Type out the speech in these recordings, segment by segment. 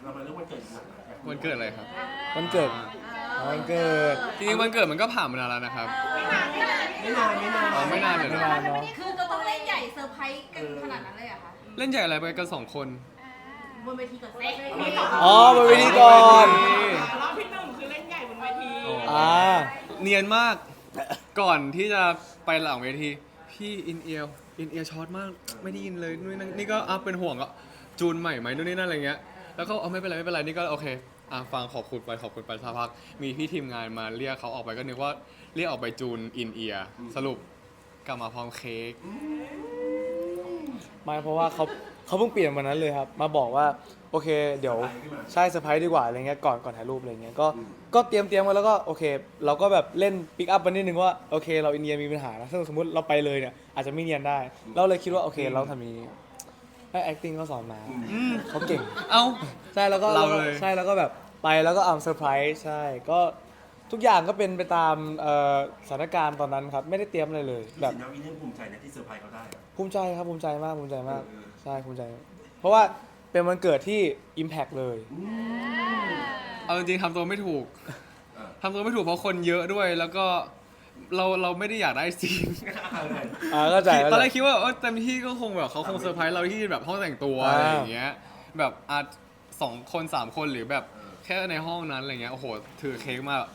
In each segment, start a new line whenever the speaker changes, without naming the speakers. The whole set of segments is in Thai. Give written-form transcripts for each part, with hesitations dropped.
เรามาเรื่องวันเกิดหลัง
วันเกิดอะไรครับ
วันเกิดวันเกิด
จริงๆวันเกิดมันก็ผ่านมานานแล้วนะครับ
ไม่นาน
อ๋อไม่นานเลย
ไม่
นะ
นานเนาะ
คือจะต้องเล่นใหญ่เซอร์ไพรส์กันขนาดนั้นเลยเหรอะคะ
เล่นใหญ่อะไรไปกัน2 คน
บนเวทีก่อนเซ็ต
อ๋อบนเวทีก่อน
รอบที่หนึ่งคือเล่นใหญ่บนเวที
อ่า
เนียนมากก่อนที่จะไปหลังเวทีพี่อินเอียร์ช็อตมากไม่ได้ยินเลยนู่นนี่ก็เป็นห่วงก็จูนใหม่ไหมนู่นนี่นั่นอะไรเงี้ยแล้วก็ไม่เป็นไรนี่ก็โอเคฟังขอบคุณไปสักพักมีพี่ทีมงานมาเรียกเขาออกไปก็นึกว่าเรียกออกไปจูนอินเอียร์สรุปกลับมาพร้อมเค้ก
ไม่เพราะว่าเขาเพิ่งเปลี่ยนวันนั้นเลยครับมาบอกว่าโอเคเดี๋ยวใช่เซอร์ไพรส์ดีกว่าอะไรเงี้ยก่อนถ่ายรูปอะไรเงี้ยก็เตรียมไว้แล้วก็โอเคเราก็แบบเล่นปิกอัพไปนิดนึงว่าโอเคเราอินเดียมีปัญหานะซึ่งสมมติเราไปเลยเนี่ยอาจจะไม่เนียนได้เราเลยคิดว่าโอเคเราทำนี้ให้ acting ก็สอนมาเขาเก่ง
เอ้า
ใช่แล้วก็
เราเลย
ใช่แล้วก็แบบไปแล้วก็เซอร์ไพรส์ใช่ก็ทุกอย่างก็เป็นไปตามสถานการณ์ตอนนั้นครับไม่ได้เตรียมอะไรเลยแบบ
สินน้องอินเนอร์ภูมิใจนะที่เซอร์ไพรส์เขาได้
ภูมิใจครับภูมิใจมากใช่ภูมิใจ เพราะว่าเป็นวันเกิดที่ Impact เลย
เอาจริงๆทำตัวไม่ถูกเพราะคนเยอะด้วยแล้วก็เราไม่ได้อยากได้ซีน
ก็ใจ
ตอนแรกคิดว่าเต็มที่ก็คงแบบเขาคงเซอร์ไพรส์เราที่แบบห้องแต่งตัวอะไรอย่างเงี้ยแบบ2 คน 3 คนหรือแบบแค่ในห้องนั้นอะไรเงี้ยโอ้โหถือเค้กมา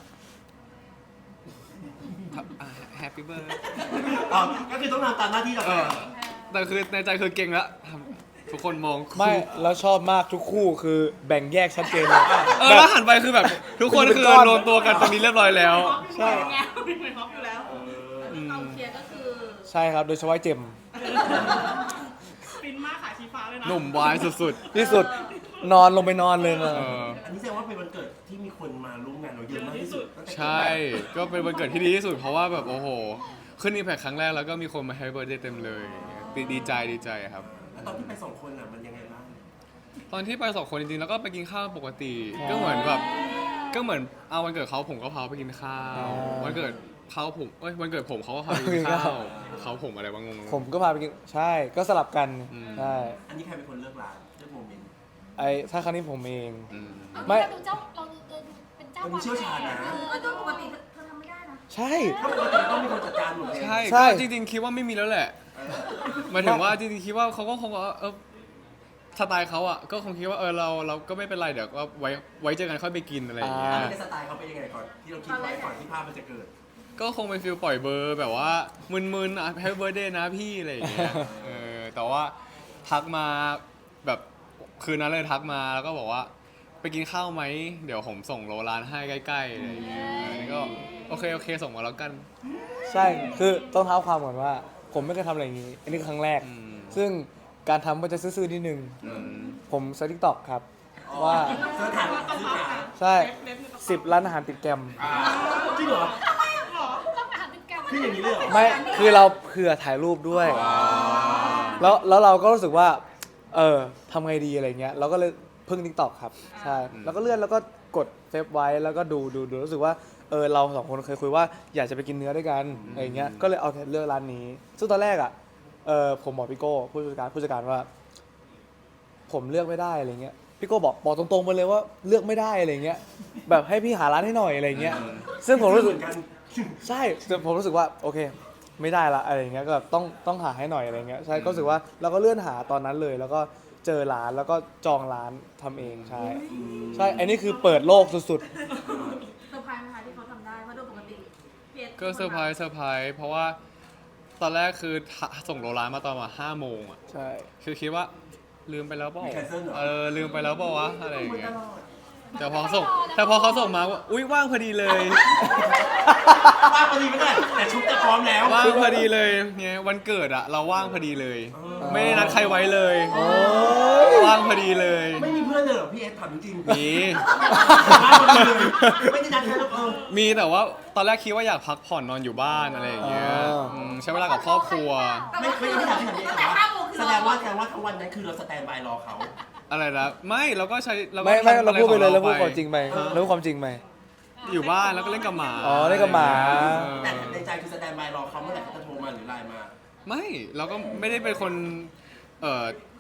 แฮปปี้เบิร์ด
อ๋อก็คือต้องทำตามหน้าที่เรา
แต่คือในใจคือเก่งละทุกคนมอง
ไม่แล้วชอบมากทุกคู่คือแบ่งแยกชัดเจนเลย
แล้วหันไปคือแบบทุกคนคือรวมตัวกันตรงนี้เรียบร้อยแล้ว
ใช่
ไงเป็นเหมือนฮอปอยู่แล้ว
เราเคลียร์ก็คือ
ใช่ครับโดยเฉพาะเจม
ฟินมากขายชีฟ้าเลยนะ
หนุ่มวายสุด
ที่สุดนอนลงไปนอนเลยนะ
อันนี้แสดงว่าเป็นวันเกิดที่มีคนมาร่วมงานเราเยอะมากที่สุด
ใช่ก็เป็นวันเกิดที่ดีที่สุดเพราะว่าแบบโอ้โหขึ้นอีแพคครั้งแรกแล้วก็มีคนมาแฮปปี้เบิร์ธเดย์เต็มเลยดีใจครับ
แล้วตอนที่ไป2 คนมันยังไงบ้าง
ตอนที่ไป2 คนจริงๆแล้วก็ไปกินข้าวปกติ ก็เหมือนแบบก็เหมือนเอาวันเกิดเขาผมก็พาไปกินข้าววันเกิดเขาผมวันเกิดผมเขาก็พาไปกินข้าวเขาผมอะไรวะงง
ผมก็พาไปกินใช่ก็สลับกันใช่
อันนี้ใครเป็นคนเลือกร้านเลือกโมเมนต์
ถ้าครั้งนี้ผมเอง
ไม่เราดูเจ้าเราดูเป็นเจ้า
มันเชี่ยวชาญนะ
ตัวปกติเธอทำไม่ได้นะ
ใช่
ถ้าปกติต้องมีคนจัดการหมดเลย
ใช่
ใช่
ก็จริงๆคิดว่าไม่มีแล้วแหละหมายถึงว่าจริงๆคิดว่าเขาก็คงสไตล์เขาอ่ะก็คงคิดว่าเราก็ไม่เป็นไรเดี๋ยวก็ไว้เจอกันค่อยไปกินอะไรอย่างเงี้ย
ในสไตล์เขาเป็นยังไงก่อนที่เราคิดไว้ก่อนที่ภาพมันจะเกิด
ก็คงเป็นฟิลปล่อยเบอร์แบบว่ามึนๆแฮปปี้เบิร์ดเดย์นะพี่อะไรอย่างเงี้ยแต่ว่าทักมาแบบคืนนั้นเลยทักมาแล้วก็บอกว่าไปกินข้าวไหมเดี๋ยวผมส่งโลร้านให้ใกล้ๆอะไรอย่างเงี้ยอันนี้ก็โอเคส่งมาแล้วกัน
ใช่คือต้องเท้าความก่อนว่า ผมไม่เคยทำอะไรอย่างนี้ อันนี้คือครั้งแรก ซึ่งการทำก็จะซื่อๆนิดนึงผมใช้ TikTok ครับว่า
เสื้อถ่ายซื้อหา
ใช่10 ร้านอาหารติดแกรม
จริงเหรอ
ต้องอาหารติดแกรม
พี่อย่างนี้เลยเหรอ
ไม่คือเราเผื่อถ่ายรูปด้วย แล้วเราก็รู้สึกว่าทำไงดีอะไรเงี้ยเราก็เลยพึ่ง TikTok ครับใช่แล้วก็เลื่อนแล้วก็กดเซฟไว้แล้วก็ดูรู้สึกว่าเรา2 คนเคยคุยว่าอยากจะไปกินเนื้อด้วยกันอะไรเงี้ยก็เลยเอาเลือกร้านนี้ซึ่งตอนแรกอ่ะผมบอกพี่โก้ผู้จัดการว่า ผมเลือกไม่ได้อะไรเงี้ยพี่โก้บอกตรงๆไปเลยว่าเลือกไม่ได้อะไรเงี้ยแบบให้พี่หาร้านให้หน่อยอะไรเงี้ยซึ่งผมรู้สึก
เหมือนกัน
ใช่แต่ผมรู้สึกว่าโอเคไม่ได้ละอะไรเงี้ยก็แบบต้องหาให้หน่อยอะไรเงี้ยใช่ก็รู้สึกว่าเราก็เลื่อนหาตอนนั้นเลย แล้วก็เจอร้านแล้วก็จองร้านทำเองใช่อันนี้คือเปิดโลกสุด
เซอร์ไพรส์ไหมคะที่เขาทำได้เพราะโดยปกติพีย
ก็เซอร์ไพรส์เพราะว่าตอนแรกคือส่งโลร้านมาตอนมา5 โมงอ่ะ
ๆใช่
คือคิดว่าลืมไปแล้วเปล่า
มี cancel เหรอ
ลืมไปแล้วเปล่าวะอะไรอย่าง
เหมือน
เงี้
ต
ย
ลอด
แต่พอเขาส่งมาว่าอุ้ยว่างพอดีเลย
ว่างพอดีไม่ได้แต่ชุดจะพร้อมแล้ว
ว่างพอดีเลยเนี่ยวันเกิดอะเราว่างพอดีเลย ไม่ได้นัดใครไว้เลย
โอ้ย
ว่างพอดีเลย
ไม่มีเพื่อนเลยเหรอพี่เอสถามจริงๆ
มี
ว่างพอดีเลยไม่ได้นัดใครหรอก
มีแต่ว่าตอนแรกคิดว่าอยากพักผ่อนนอนอยู่บ้านอะไรอย่างเงี้ยใช้เวลากับครอบครัว
ไม่ได้ถามพี่ถามพี่ถามว่าแสดงว่าทั้งวันนั้นคือเราสแตนบายรอเขา
อะไรนะไม่เราก็ใช้เราก็
ไม่
ทำ
เรา
อะไร
พูดไปเลย
ข
เรา
อง
พูดความจริงไปเราพูดความจริงไป
อยู่บ้านแล้วก็เล่นกับหมา
อ๋อเล่นกับหมา
แต่ในใจคือสแตนบายรอเขาเมื่อไหร่เขาจะโทรมาหรือไลน์มา
ไม่เราก็ไม่ได้เป็นคนเอ่อ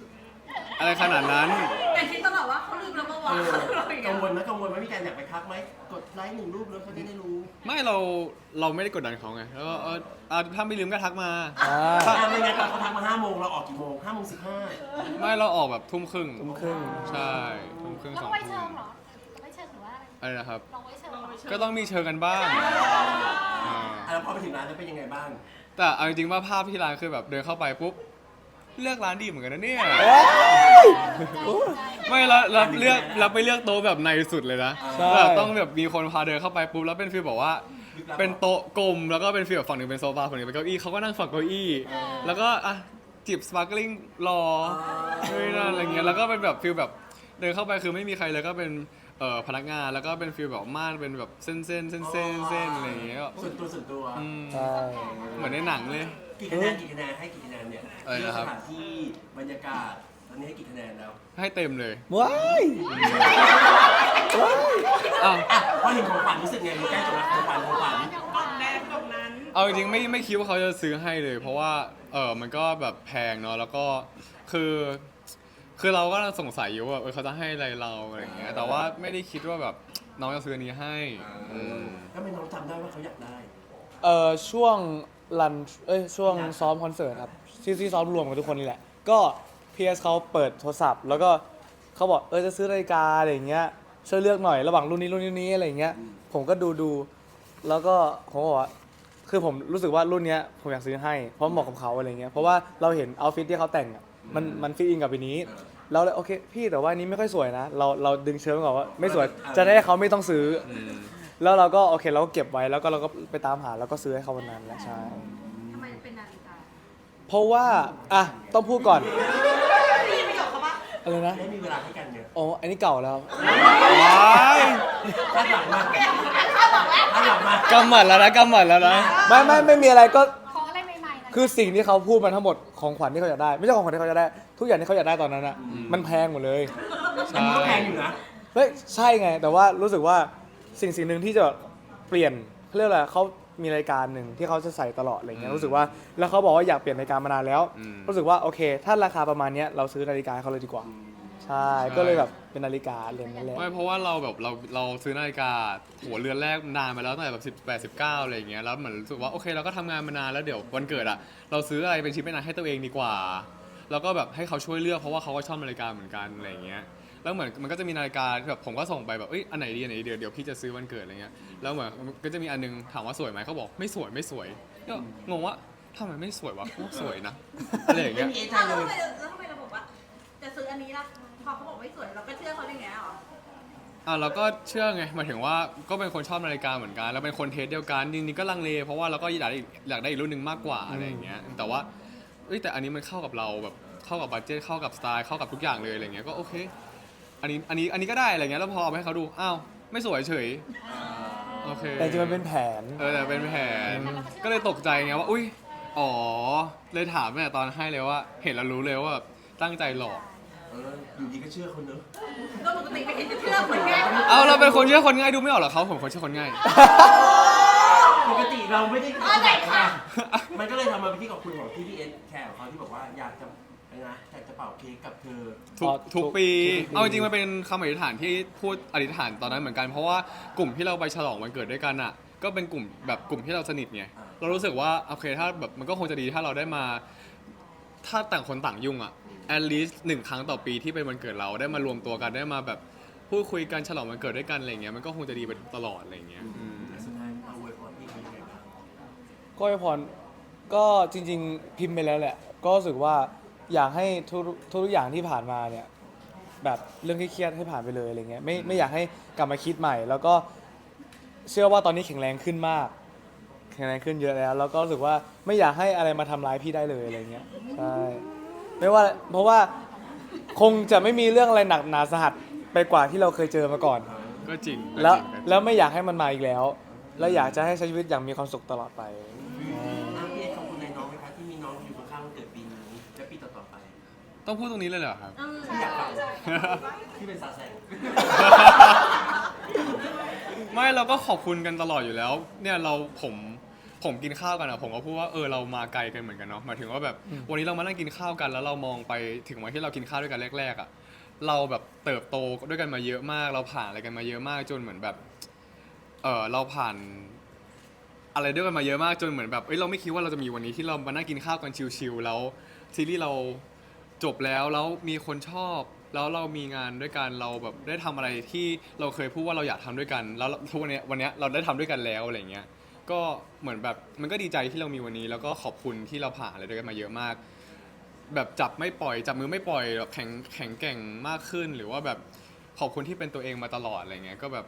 อะไรขนาดนั้น
แต่คิดตลอดว่าเขาลืมแล้วเมื่อวานอะไรอย่างเงี้
กั
ย
งวลไหมพี่การอยากไปทักไหมกดไลค์1 รูปแล้วเขาจะได้รู้
ไม่เราไม่ได้กดดันเขาไงแล้วก็ถ้าไม่ลืมก็ทักมา
ไม่งั้นเขาทักมา5 โมงเราออกกี่โมง5 โมง 15
ไม่เราออกแบบทุ่มครึ่ง
ทุ่มครึ่ง
ใช่ทุ่มครึ่ง
แล้ว
2
ก็ไว้
ทุ่
เชิ
ม
งเหรอไว้เชิงหรือว่าอะไร
อะไรนะครับ
ลองไว้เชิงเหรอ
ก็ต้องมีเชิญกันบ้างอ่า
แล้วพอไปถึงร้านแล้วเป็นยังไงบ้าง
แต่เอาจริงๆว่าภาพที่ร้านคือแบบเดินเข้าไปปุ๊บเลือกร้านดีเหมือนกันนะเนี่ย ไม่แล้วเลือกแล้วไปเลือกโต๊ะแบบในสุดเลยนะ
ใช่
แบบต้องแบบมีคนพาเดินเข้าไปปุ๊บแล้วเป็นฟีลบอกว่าเป็นโต๊ะกลมแล้วก็เป็นฟีลแบบฝั่งหนึ่งเป็นโซฟาฝั่งหนึ่งเป็นเก้าอี้เขาก็นั่งฝั่งเก้าอี้แล้วก็อ่ะจิบสปาร์กลิงรอด้วยนั่นอะไรเงี้ยแล้วก็เป็นแบบฟีลแบบเดินเข้าไปคือไม่มีใครเลยก็เป็นพนักงานแล้วก็เป็นฟีลแบบม่านเป็นแบบเส้นอะไรอย่างเงี้ยก็
ส่วนตัว
อืม
ใช่
เหมือนในหนังเลย
กี่คะแนนให้กี่คะแนนเนี่ย
อะไรนะครับ
สถานที่บรรยากาศตอนนี้ให้กี่คะแนนแล้ว
ให้เต็มเลย
ว้ายว้าย
อ้าว
อ่ะพอเห็นของขวัญรู้สึกไงมันใกล้จบแล้วของขวัญ
กล่องแดงกล่องนั้น
เอาจริงๆไม่คิดว่าเขาจะซื้อให้เลย เพราะว่ามันก็แบบแพงเนาะแล้วก็คือเราก็สงสัยอยู่ว่าเขาจะให้อะไรเราอะไรอย่างเงี้ยแต่ว่าไม่ได้คิดว่าแบบน้องจะซื้ออันนี้ให้อืม
แล้วไม่น้องจำได้ว่าเขาอยากได้
ช่วงช่วงซ้อมคอนเสิร์ตครับที่ซ้อมรวมกับทุกคนนี่แหละ ก็พีเอสเขาเปิดโทรศัพท์ แล้วก็เขาบอกจะซื้อนาฬิกาอะไรอย่างเงี้ยช่วยเลือกหน่อยระหว่างรุ่นนี้อะไรอย่างเงี้ยผมก็ดูแล้วก็ผมบอกว่าคือผมรู้สึกว่ารุ่นเนี้ยผมอยากซื้อให้เพราะเหมาะกับเขาอะไรเงี้ยเพราะว่าเราเห็นเอาท์ฟิตที่เขาแต่งอะมันฟิตอินกับอันนี้เราเลยโอเคพี่แต่ว่าอันนี้ไม่ค่อยสวยนะเราดึงเชิงก่อนว่าไม่สวยจะได้ให้เขาไม่ต้องซื้อ แล้วเราก็โอเคเราก็เก็บไว้แล้วก็เราก็ไปตามหาแล้วก็ซื้อให้เขาวันนั้นแหละใช่
ทำไมเป็นนาฬิกา
เพราะว่าอ่ะต้องพูดก่อนอะไรนะ
ได้มีเวลาให้กันเนี่ย
อ๋ออันนี้เก่าแล้ว
ว้าย
คาดหวังมากคาดหวังมาก
กำหมัดแล้วนะ
ไม่มีอะไรก็
ของอะไรใหม่ๆนะ
คือสิ่งที่เขาพูดมาทั้งหมดของขวัญที่เขาอยากได้ ไม่ใช่ของขวัญที่เขาอยากได้ ทุกอย่างที่เขาอยากได้ตอนนั้นอ่ะมันแพงหมดเลย
อันนี้ก็แพงอยู่นะ
เฮ้ยใช่ไง แต่ว่ารู้สึกว่าสิ่งหนึ่งที่จะเปลี่ยนเขาเรียกอะไรเขามีรายการหนึ่งที่เขาจะใส่ตลอดอะไรเงี้ยรู้สึกว่าแล้วเขาบอกว่าอยากเปลี่ยนรายการมานานแล้ว รู้สึกว่าโอเค ถ้าราคาประมาณเนี้ยเราซื้อนาฬิกาให้เขาเลยดีกว่า ใช่ก็เลยแบบเป็นนาฬิกาเรือนนั่นแหละ
ไม่เพราะว่าเราแบบเราซื้อนาฬิกาหัวเรือนแรกนานมาแล้วตั้งแต่แบบ18-19อะไรอย่างเงี้ยแล้วเหมือนรู้สึกว่าโอเคเราก็ทำงานมานานแล้วเดี๋ยววันเกิดอ่ะเราซื้ออะไรเป็นชิ้นเป็นอันให้ตัวเองดีกว่าแล้วก็แบบให้เขาช่วยเลือกเพราะว่าเขาก็ชอบนาฬิกาเหมือนกันอะไรอย่างเงี้ยแล้วเหมือนมันก็จะมีนาฬิกาที่แบบผมก็ส่งไปแบบอันไหนดีเดี๋ยวพี่จะซื้อวันเกิดอะไรเงี้ยแล้วเหมือนก็จะมีอันนึงถามว่าสวยไหมเขาบอกไม่สวยก็งงว่าทำไมไม่สวยวะก็สวยนะอะไรอย่าง
ไม่
เงี้ย
มีเอใจ
แล้ว
เลย
ทำไมเราบอกว่าจะซื้ออันนี้ล่ะพอเขาบอกไม่สวยเราก็เชื่อเขาได้ไงหรอ
เราก็เชื่อไงหมายถึงว่าก็เป็นคนชอบนาฬิกาเหมือนกันแล้วเป็นคนเทสเดียวกันจริงๆก็ลังเลเพราะว่าเราก็อยากได้อีกรุ่นหนึ่งมากกว่าอะไรอย่างเงี้ยแต่ว่าแต่อันนี้มันเข้ากับเราแบบเข้ากับบัดเจ็ตเข้ากับสไตล์เข้ากับทุกอย่างเลยอะไรเงี้ยก็โอเคอันนี้ก็ได้อะไรเงี้ยแล้วพอเอาไปให้เขาดูอ้าวไม่สวยเฉยโอเค
แต่จริงมันเป็นแผน
แต่เป็นแผนก็เลยตกใจไงว่าอุ้ยอ๋อเลยถามแม่ตอนให้เลยว่าเห็นแล้วรู้เลยว่าแบบตั้งใจหลอก
อยู่ดีก็เชื่อคนเนอะ
ก็ปกติไม่เห็นจะเชื่อคนง่าย
เอาเราเป็นคนเชื่อคนง่ายดูไม่ออกเหรอเขาผมคนเชื่อคนง่าย
ปกติเราไม่ได้ค่ะมันก็เลยทำมาเป็นที่ขอบคุณของที่พี่เอสแขกของเขาที่บอกว่าอยากจะเป่าเค้กกับเธอ
ทุกปี
ทุกปี
เอาจริงๆมันเป็นคำอธิษฐานที่พูดอธิษฐานตอนนั้นเหมือนกัน เพราะว่ากลุ่มที่เราไปฉลองวันเกิดด้วยกันอ่ะ ก็เป็นกลุ่มที่เราสนิทไง เรารู้สึกว่าโอเคถ้าแบบมันก็คงจะดีถ้าเราได้มา ถ้าต่างคนต่างยุ่งอ่ะ at least 1 ครั้งต่อปีที่เป็นวันเกิดเราได้มารวมตัวกันได้มาแบบพูดคุยกันฉลองวันเกิดด้วยกันอะไรเงี้ยมันก็คงจะดีไปตลอดอะไรเงี้ยอืม
สุดท้ายเอาไว้พรพี่เขายังไงบ้าง
ก็อวยพรก็จริง ๆ พิมพ์ไปแล้วแหละ ก็รู้สึกว่าอยากให้ทุกอย่างที่ผ่านมาเนี่ยแบบเรื่องที่เครียดให้ผ่านไปเลยอะไรเงี้ยไม่อยากให้กลับมาคิดใหม่ แล้วก็เชื่อว่าตอนนี้แข็งแรงขึ้นมาก แข็งแรงขึ้นเยอะแล้ว แล้วก็รู้สึกว่าไม่อยากให้อะไรมาทำร้ายพี่ได้เลยอะไรเงี้ยใช่ไม่ว่าเพราะว่าคงจะไม่มีเรื่องอะไรหนักหนาสาหัสไปกว่าที่เราเคยเจอมาก่อน
ก็จริง
แล้วไม่อยากให้มันมาอีกแล้ว แล้วอยากจะให้ใช้ชีวิตอย่างมีความสุขตลอดไป
พี่เอสขอบคุณในน้องไหมคะที่มีน้องอยู่ข้างๆวันเกิดปีนี้และปีต่อๆไป
ต้องพูดตรงนี้เลยเหรอครับ
พี่อยากฟังพี่เป็นสาวแสง
ไม่เราก็ขอบคุณกันตลอดอยู่แล้วเนี่ยผมผมกินข้าวกันอะผมก็พูดว่าเรามาไกลกันเหมือนกันเนาะหมายถึงว่าแบบวันนี้เรามานั่งกินข้าวกันแล้วเรามองไปถึงวันที่เรากินข้าวด้วยกันแรกๆอะเราแบบเติบโตด้วยกันมาเยอะมาก เราผ่านอะไรกันมาเยอะมากจนเหมือนแบบเราผ่านอะไรด้วยกันมาเยอะมากจนเหมือนแบบเราไม่คิดว่าเราจะมีวันนี้ที่เรามานั่งกินข้าวกันชิลๆแล้วซีรีส์เราจบแล้วมีคนชอบแล้วเรามีงานด้วยกันเราแบบได้ทำอะไรที่เราเคยพูดว่าเราอยากทำด้วยกันแล้วทุกวันนี้เราได้ทำด้วยกันแล้วอะไรเงี้ยก็เหมือนแบบมันก็ดีใจที่เรามีวันนี้แล้วก็ขอบคุณที่เราผ่านอะไรด้วยกันมาเยอะมากแบบจับมือไม่ปล่อยแบบแข็งแกร่งมากขึ้นหรือว่าแบบขอบคุณที่เป็นตัวเองมาตลอดอะไรเงี้ยก็แบบ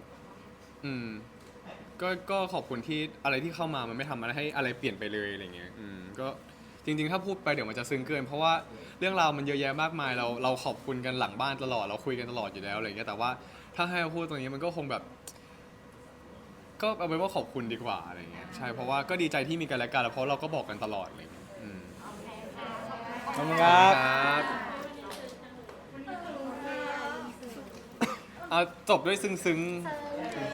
ก็ขอบคุณที่อะไรที่เข้ามามันไม่ทำอะไรให้อะไรเปลี่ยนไปเลยอะไรเงี้ยก็จริงๆถ้าพูดไปเดี๋ยวมันจะซึ้งเกินเพราะว่าเรื่องราวมันเยอะแยะมากมายเราขอบคุณกันหลังบ้านตลอดเราคุยกันตลอดอยู่แล้วอะไรเงี้ยแต่ว่าถ้าให้เราพูดตรงนี้มันก็คงแบบก็เอาไว้ว่าขอบคุณดีกว่าอะไรเงี้ยใช่เพราะว่าก็ดีใจที่มีกันและกันแล้วเพราะเราก็บอกกันตลอดอะไรเงี้ย
ขอบคุณครับ
เอาจบด้วยซึ้งๆ